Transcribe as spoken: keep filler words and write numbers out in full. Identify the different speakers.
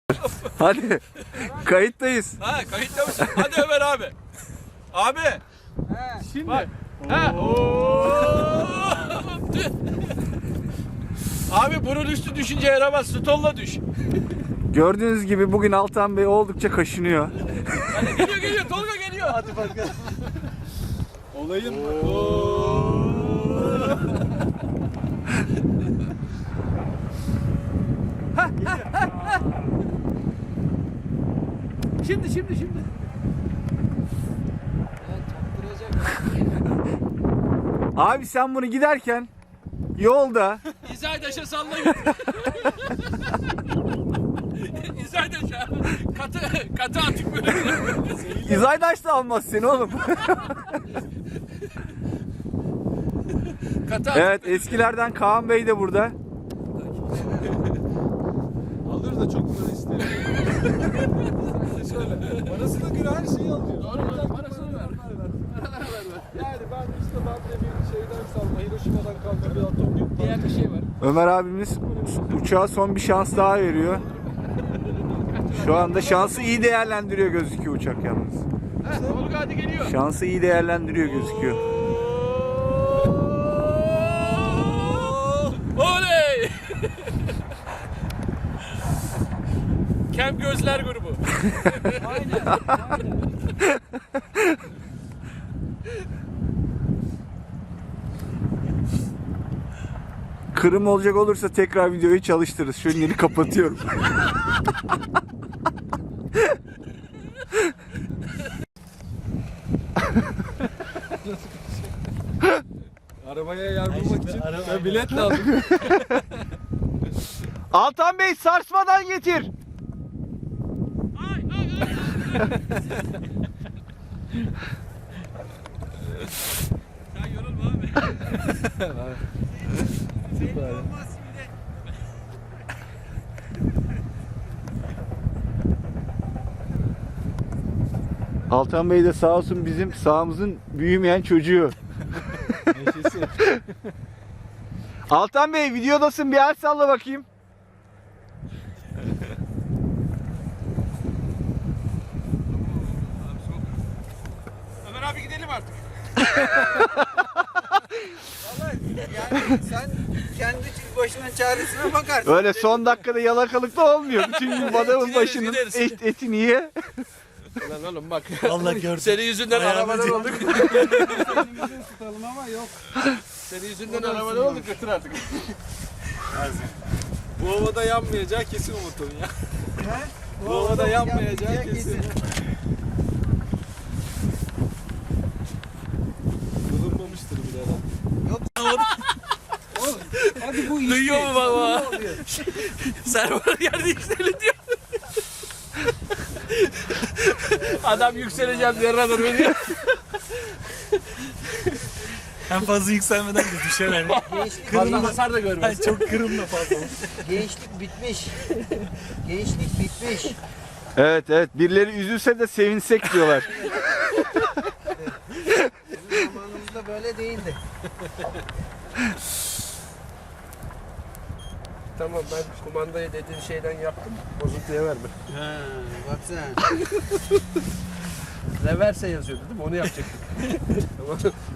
Speaker 1: Hadi. Kayıttayız.
Speaker 2: Ha kayıtta mısın? Hadi Ömer abi. Abi.
Speaker 3: He.
Speaker 2: Şimdi. Bak. Ha. Oo. Abi bunun üstü düşünce yaramaz. Stolla düş.
Speaker 1: Gördüğünüz gibi bugün Altan Bey oldukça kaşınıyor.
Speaker 2: Hadi geliyor geliyor. Tolga geliyor.
Speaker 3: Hadi bakalım.
Speaker 2: Olayın. Şimdi şimdi şimdi.
Speaker 1: Abi sen bunu giderken yolda
Speaker 2: İzaydaş'a sallayın. İzaydaş'a. Katı, katı atık böyle.
Speaker 1: İzaydaş da almaz seni oğlum.
Speaker 2: Katı atık.
Speaker 1: Evet, eskilerden Kaan Bey de burada.
Speaker 3: Alır da çok para isterim. Şöyle. Parasına göre her şeyi alıyor.
Speaker 2: Doğru mu? Parasını ver.
Speaker 3: Yani ben işte ben de bir şeyden salma. Hiroşima'dan kalma bir atom yok.
Speaker 2: Diğer bir şey var.
Speaker 1: Ömer abimiz uçağa son bir şans daha veriyor. Şu anda şansı iyi değerlendiriyor gözüküyor uçak yalnız.
Speaker 2: Ha, Tolga hadi geliyor.
Speaker 1: Şansı iyi değerlendiriyor gözüküyor.
Speaker 2: Oley! Kem Gözler grubu.
Speaker 3: Aynen. Aynen.
Speaker 1: Kırım olacak olursa tekrar videoyu çalıştırırız. Şu yeni kapatıyorum.
Speaker 3: Arabaya yer bulmak için ben bilet aldım.
Speaker 1: Altan Bey sarsmadan getir.
Speaker 2: Ay ay ay. Sen yorulma abi. Senin olmaz şimdi.
Speaker 1: Altan Bey de sağ olsun bizim sağımızın büyümeyen çocuğu.
Speaker 3: Neşesi.
Speaker 1: Altan Bey videodasın, bir el salla bakayım.
Speaker 2: Ömer abi gidelim artık.
Speaker 4: Vallahi yani sen kendi başına çaresine bakarsın.
Speaker 1: Öyle son dakikada yalakalıkta olmuyor. Bütün gün adamın
Speaker 2: Gideriz,
Speaker 1: başının
Speaker 2: gideriz.
Speaker 1: et, etini ye.
Speaker 2: Lan oğlum bak.
Speaker 4: Allah görsün.
Speaker 2: Senin yüzünden arabadan olduk.
Speaker 3: Elimizi tutalım ama yok.
Speaker 2: Senin yüzünden arabadan olduk, götür artık.
Speaker 3: Bu havada yanmayacağı kesin Umut'un ya.
Speaker 4: He?
Speaker 3: Bu havada yanmayacağı kesin. Bulunmamıştır bile herhalde.
Speaker 4: Hadi bu iş.
Speaker 2: Duyuyor mu baba? Server yerde yükseltiyor. Adam yükseleceğim diye radar veriyor.
Speaker 5: En fazla yükselmeden de düşer yani.
Speaker 2: Fazla hasar da görmez.
Speaker 5: Çok kırımla fazla.
Speaker 4: Gençlik bitmiş. Gençlik bitmiş.
Speaker 1: Evet evet, birileri üzülse de sevinsek diyorlar.
Speaker 4: Bizim zamanımızda böyle değildi.
Speaker 2: Tamam, ben kumandayı dediğin şeyden yaptım. Bozuntuya verme.
Speaker 4: Ha, baksana.
Speaker 2: Reverse yazıyordu değil mi? Onu yapacaktık. Tamam.